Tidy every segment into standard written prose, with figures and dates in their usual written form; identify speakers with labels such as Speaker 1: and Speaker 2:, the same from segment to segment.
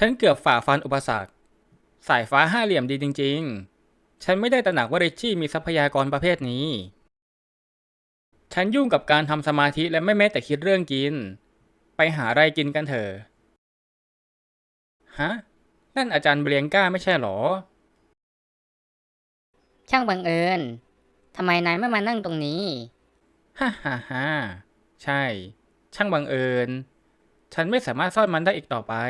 Speaker 1: ฉันเกือบฝ่าฟันอุปสรรคสายฟ้าห้าเหลี่ยมดีจริงๆฉันไม่ได้ตระหนักว่าริชชี่มีทรัพยากรประเภทนี้ฉันยุ่งกับการทำสมาธิและไม่แม้แต่คิดเรื่องกินไปหาอะไรกินกันเถอะฮะนั่นอาจารย์เบรียงก้าไม่ใช่หรอ
Speaker 2: ช่างบังเอิญทำไมนายไม่มานั่งตรงนี้
Speaker 1: ฮ่าฮ่าฮ่าใช่ช่างบังเอิญฉันไม่สามารถซ่อนมันได้อีกต่อไป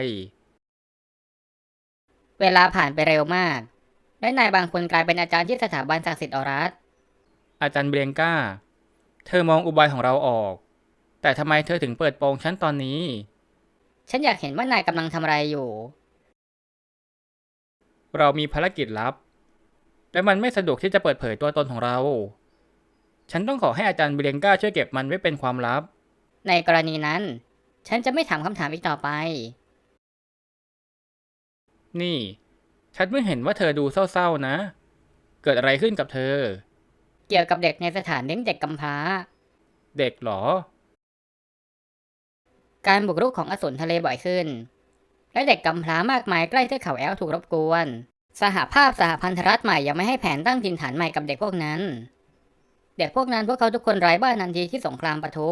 Speaker 2: เวลาผ่านไปเร็วมากและนายบางคนกลายเป็นอาจารย์ที่สถาบันศักดิ์สิทธิ์ออรัส
Speaker 1: อาจารย์เบรียงก้าเธอมองอุบายของเราออกแต่ทำไมเธอถึงเปิดโปงฉันตอนนี้
Speaker 2: ฉันอยากเห็นว่านายกำลังทำอะไรอยู่
Speaker 1: เรามีภารกิจลับและมันไม่สะดวกที่จะเปิดเผยตัวตนของเราฉันต้องขอให้อาจารย์เบรียงก้าช่วยเก็บมันไว้เป็นความลับ
Speaker 2: ในกรณีนั้นฉันจะไม่ถามคำถามอีกต่อไป
Speaker 1: นี่ฉันเพิ่งเห็นว่าเธอดูเศร้าๆนะเกิดอะไรขึ้นกับเธอ
Speaker 2: เกี่ยวกับเด็กในสถานเลี้ยงเด็กกำพร้า
Speaker 1: เด็กเหรอ
Speaker 2: การบุกรุกของอสูรทะเลบ่อยขึ้นและเด็กกำพร้ามากมายใกล้เทือกเขาแอลถูกรบกวนสหภาพสหพันธรัฐใหม่ยังไม่ให้แผนตั้งถิ่นฐานใหม่กับเด็กพวกนั้นเด็กพวกนั้นพวกเขาทุกคนไร้บ้านทันทีที่สงครามปะทุ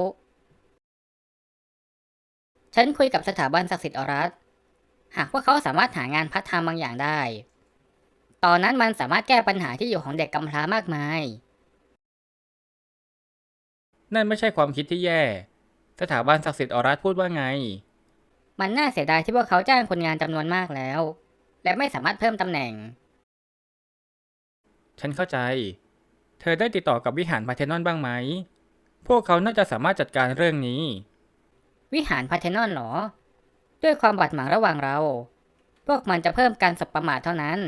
Speaker 2: ฉันคุยกับสถาบันศักดิ์สิทธิ์ออรัสหากพวกเขาสามารถหางานพาร์ทไทม์บางอย่างได้ตอนนั้นมันสามารถแก้ปัญหาที่อยู่ของเด็กกำพร้ามากมาย
Speaker 1: นั่นไม่ใช่ความคิดที่แย่สถาบันศักดิ์สิทธิ์ออรัสพูดว่าไง
Speaker 2: มันน่าเสียดายที่พวกเขาจ้างคนงานจำนวนมากแล้วและไม่สามารถเพิ่มตำแหน่ง
Speaker 1: ฉันเข้าใจเธอได้ติดต่อกับวิหารพาร์เทนอนบ้างไหมพวกเขาน่าจะสามารถจัดการเรื่องนี้
Speaker 2: วิหารพาร์เทนอนเหรอด้วยความบาดหมางระหว่างเราพวกมันจะเพิ่มการสบประมาทเท่านั้น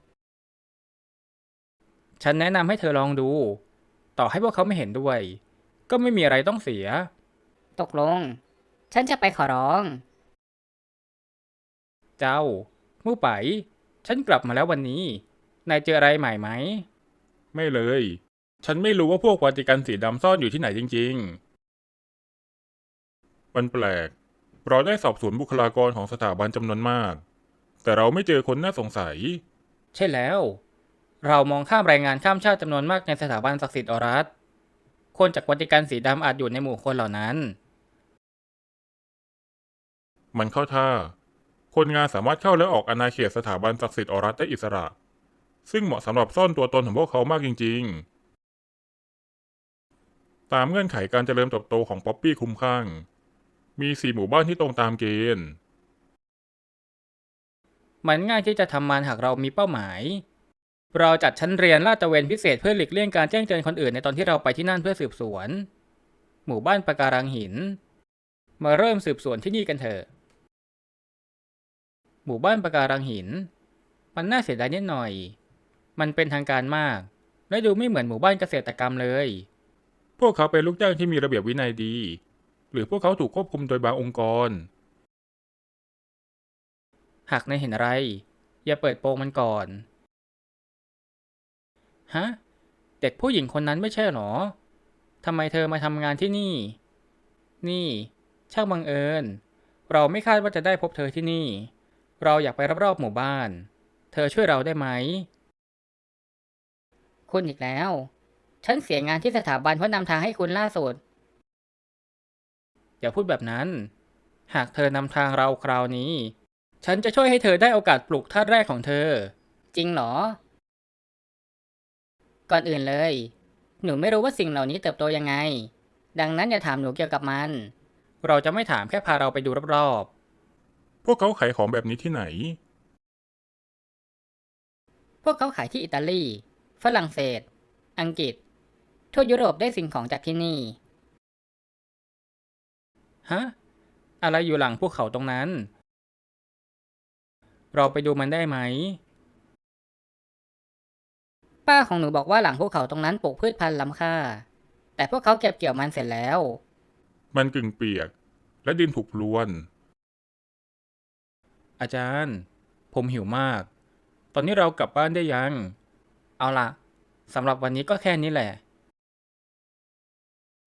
Speaker 1: ฉันแนะนำให้เธอลองดูต่อให้พวกเขาไม่เห็นด้วยก็ไม่มีอะไรต้องเสีย
Speaker 2: ตกลงฉันจะไปขอร้อง
Speaker 1: เจ้ามู่ไปฉันกลับมาแล้ววันนี้นายเจออะไรใหม่ไหม
Speaker 3: ไม่เลย ฉันไม่รู้ว่าพวกวาติกันสีดำซ่อนอยู่ที่ไหนจริงๆมันแปลก เราได้สอบสวนบุคลากรของสถาบันจำนวนมาก แต่เราไม่เจอคนน่าสงสัย
Speaker 1: ใช่แล้วเรามองข้ามแรงงานข้ามชาติจำนวนมากในสถาบันศักดิ์สิทธิ์ออรัสคนจากวัติกันสีดำอาจอยู่ในหมู่คนเหล่านั้น
Speaker 3: มันเข้าท่า คนงานสามารถเข้าและออกอาณาเขตสถาบันศักดิ์สิทธิ์ออรัสได้อิสระ ซึ่งเหมาะสำหรับซ่อนตัวตนของพวกเขามากจริงๆ ตามเงื่อนไขการเจริญเติบโตของป๊อปปี้คุ้มข้างมี4 หมู่บ้านที่ตรงตามเกณฑ์
Speaker 1: มันง่ายที่จะทำมันหากเรามีเป้าหมายเราจัดชั้นเรียนลาดตระเวนพิเศษเพื่อหลีกเลี่ยงการแจ้งเตือนคนอื่นในตอนที่เราไปที่นั่นเพื่อสืบสวนหมู่บ้านปะการังหินมาเริ่มสืบสวนที่นี่กันเถอะหมู่บ้านปะการังหินมันน่าเสียดายนิดหน่อยมันเป็นทางการมากและดูไม่เหมือนหมู่บ้านเกษตรกรรมเลย
Speaker 3: พวกเขาเป็นลูกจ้างที่มีระเบียบวินัยดี หรือพวกเขาถูกควบคุมโดยบางองค์กร
Speaker 1: หากนายเห็นอะไรอย่าเปิดโปงมันก่อนฮะเด็กผู้หญิงคนนั้นไม่ใช่หรอทำไมเธอมาทำงานที่นี่นี่ช่างบังเอิญเราไม่คาดว่าจะได้พบเธอที่นี่เราอยากไปรอบๆหมู่บ้านเธอช่วยเราได้ไหม
Speaker 2: คุณอีกแล้วฉันเสียงานที่สถาบันเพราะนำทางให้คุณล่าสุด
Speaker 1: อย่าพูดแบบนั้นหากเธอนำทางเราคราวนี้ฉันจะช่วยให้เธอได้โอกาสปลูกธาตุแรกของเธอ
Speaker 2: จริงเหรอก่อนอื่นเลยหนูไม่รู้ว่าสิ่งเหล่านี้เติบโตยังไงดังนั้นอย่าถามหนูเกี่ยวกับมัน
Speaker 1: เราจะไม่ถามแค่พาเราไปดูรอบ
Speaker 3: พวกเขาขายของแบบนี้ที่ไหน
Speaker 2: พวกเขาขายที่อิตาลีฝรั่งเศสอังกฤษทั่วยุโรปได้สิ่งของจากที่นี่
Speaker 1: ๆฮะอะไรอยู่หลังภูเขาตรงนั้นเราไปดูมันได้ไหม
Speaker 2: ป้าของหนูบอกว่าหลังภูเขาตรงนั้นปลูกพืชพันธุ์ล้ำค่าแต่พวกเขาเก็บเกี่ยวมันเสร็จแล้ว
Speaker 3: มันกึ่งเปียก และดินถูกพรวน
Speaker 1: อาจารย์ผมหิวมากตอนนี้เรากลับบ้านได้ยังเอาล่ะสำหรับวันนี้ก็แค่นี้แหละ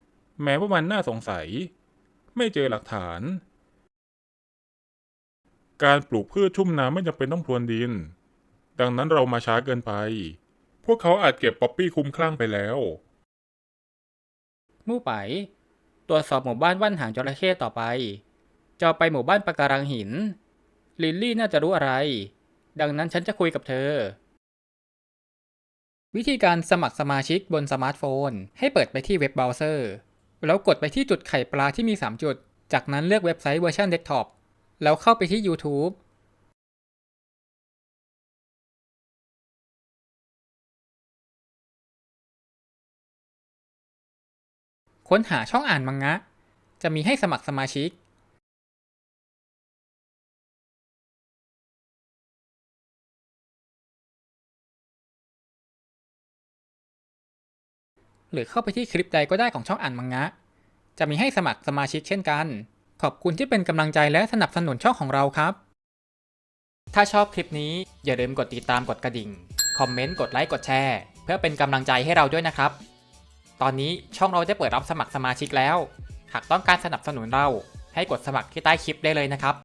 Speaker 3: แม้ว่ามันน่าสงสัย ไม่เจอหลักฐานการปลูกพืชชุ่มน้ำไม่จำเป็นต้องพรวนดิน ดังนั้นเรามาช้าเกินไป พวกเขาอาจเก็บป๊อปปี้คุ้มคลั่งไปแล้ว
Speaker 1: มู่ไป ตรวจสอบหมู่บ้านว่านหางจระเข้ต่อไปจะไปหมู่บ้านปะการังหิน ลิลลี่น่าจะรู้อะไร ดังนั้นฉันจะคุยกับเธอ วิธีการสมัครสมาชิกบนสมาร์ทโฟนให้เปิดไปที่เว็บเบราว์เซอร์แล้วกดไปที่จุดไข่ปลาที่มี3จุดจากนั้นเลือกเว็บไซต์เวอร์ชันเดสก์ท็อปแล้วเข้าไปที่ YouTube ค้นหาช่องอ่านมังงะจะมีให้สมัครสมาชิกหรือเข้าไปที่คลิปใดก็ได้ของช่องอ่านมังงะจะมีให้สมัครสมาชิกเช่นกันขอบคุณที่เป็นกำลังใจและสนับสนุนช่องของเราครับถ้าชอบคลิปนี้อย่าลืมกดติดตามกดกระดิ่งคอมเมนต์กดไลค์กดแชร์เพื่อเป็นกำลังใจให้เราด้วยนะครับตอนนี้ช่องเราได้เปิดรับสมัครสมาชิกแล้วหากต้องการสนับสนุนเราให้กดสมัครที่ใต้คลิปได้เลยนะครับ